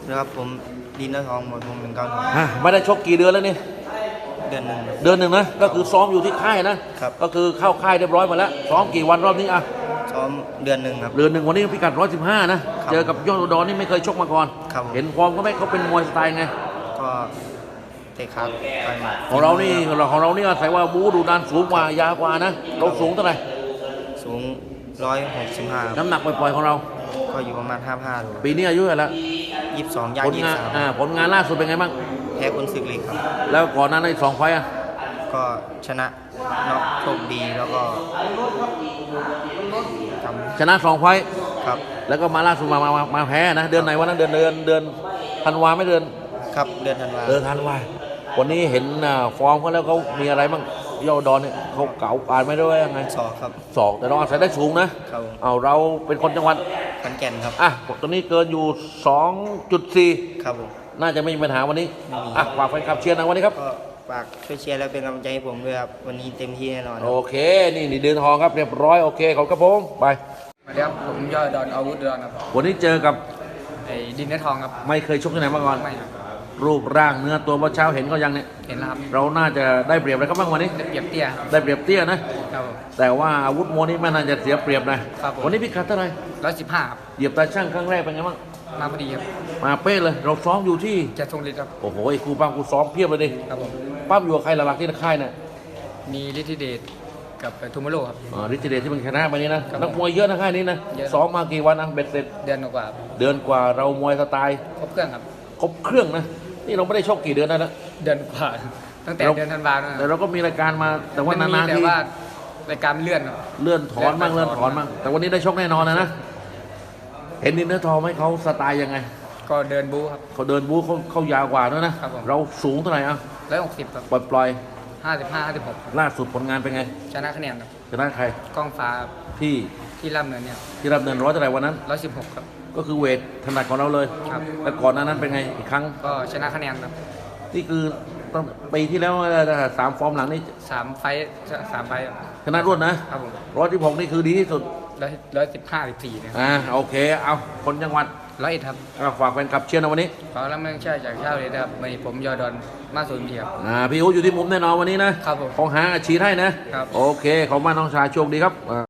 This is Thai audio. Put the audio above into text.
นะครับผมดินเนื้อทองหมดวง192 ไม่ได้ชกกี่เดือนแล้วนี่เดือนหนึ่งเดือนหนึ่งนะก็คือซ้อมอยู่ที่ค่ายนะครับก็คือเข้าค่ายเรียบร้อยมาแล้วซ้อมกี่วันรอบนี้ซ้อมเดือนหนึ่งครับเดือนหนึ่งวันนี้พิกัด115นะเจอกับยอดอุดรนี่ไม่เคยชกมาก่อนเห็นฟอร์มก็ไม่เขาเป็นมวยสไตล์ไงก็เตะขาต่อยหมัดของเรานี่อาศัยว่าบูดูดันสูงกว่ายาวกว่านะเราสูงเท่าไหร่สูง165 น้ำหนักปล่อยๆของเราก็อยู่ประมาณ55โลปีนี้อายุเท่าไหร่แล้ว 22ย่าง23 ผลงานล่าสุดเป็นไงบ้างแพ้คนศึกเล็กครับแล้วก่อนหน้านั้นอีก2 ไฟต์ก็ชนะน็อกโชคดีแล้วก็ชนะ2 ไฟต์ครับแล้วก็มาล่าสุดมาแพ้นะเดือนไหนวันนั้นเดือนธันวาไม่เดือนครับเดือนธันวาวันนี้เห็นฟอร์มเขาแล้วเขามีอะไรบ้างยอดดอนเนี่ยเขาเก่าการไม่ด้วยยังไงศอกครับศอกแต่เราอาศัยได้สูงนะเราเป็นคนจังหวัดขอนแก่นครับตอนนี้เกินอยู่ 2.4 ครับผมน่าจะไม่มีปัญหาวันนี้ฝากแฟนคลับเชียร์นะวันนี้ครับก็ฝากช่วยเชียร์แล้วเป็นกำลังใจให้ผมด้วยครับวันนี้เต็มที่แน่นอนโอเคนี่เดินทองครับเรียบร้อยโอเคขอบคุณผมไปสวัสดีครับผมยอดดอนอาวุธดอนครับวันนี้เจอกับดินเนื้อทองครับไม่เคยชกที่ไหนมาก่อนไม่ครับรูปร่างเนื้อตัวเมื่อเช้าเห็นก็ยังเนี่ยเห็นแล้วครับเราน่าจะได้เปรียบอะไรก็บ้างวันนี้ได้เปรียบเตี้ยนะครับแต่ว่าอาวุธมวยนี่ไม่น่าจะเสียเปรียบนะวันนี้พิกัดเท่าไหร่ 115ครับเหยียบตาช่างครั้งแรกเป็นไงบ้างมาพอดีครับมาเป๊ะเลยเราซ้อมอยู่ที่จะทรงฤทธิ์ครับโอ้โหครูปั้มครูซ้อมเพียบเลยดิครับผมปั้มอยู่กับใครหลักๆที่ค่ายเนี่ยมีฤทธิเดชกับทูมาโร่ครับฤทธิเดชที่มันชนะไปนี้นะนักมวยเยอะนะค่ายนี้นะซ้อมมากี่วันเบ็ดเสร็จเดือนกว่าเรามวยสไตล์ครบเครื่องครับครบเครื่องนะนี่เราไม่ได้ชกกี่เดือนแล้วเดือนกว่าตั้งแต่เดือนธันวาคมแต่เราก็มีรายการมาแต่ว่านานๆที่แต่ว่ารายการเลื่อนถอนบ้างแต่วันนี้ได้ชกแน่นอนนะเห็นดินเนื้อทองไหมเขาสไตล์ยังไงก็เดินบู๊ครับเขาเดินบู๊เขายาวกว่าด้วยนะเราสูงเท่าไหร่ 160ครับปล่อย 55-56 ล่าสุดผลงานเป็นไงชนะคะแนนครับชนะใครกล้องฟ้าที่รับเนินเนี่ยที่รับเนิน100เท่าไหร่วันนั้น 116ครับก็คือเวทถนัดของเราเลยครับแล้วก่อนหน้านั้นเป็นไงอีกครั้งก็ชนะคะแนนครับนี่คือตั้งปีที่แล้ว3 ฟอร์มหลังนี่ 3 ไฟชนะรวดนะครับผม116นี่คือดีที่สุด 115-14เนี่ยโอเคเอาคนจังหวัด 101ครับฝากแฟนคลับเชียร์นะวันนี้ขอรับเมืองเชื่อจากเช้าเลยนะครับวันนี้ผมยอดอนมาสูนเทียบพี่อู๋อยู่ที่มุมแน่นอนวันนี้นะครับผมของหาอาชีพให้นะครับโอเคขอบคุณมากน้องชายโชคดีครับ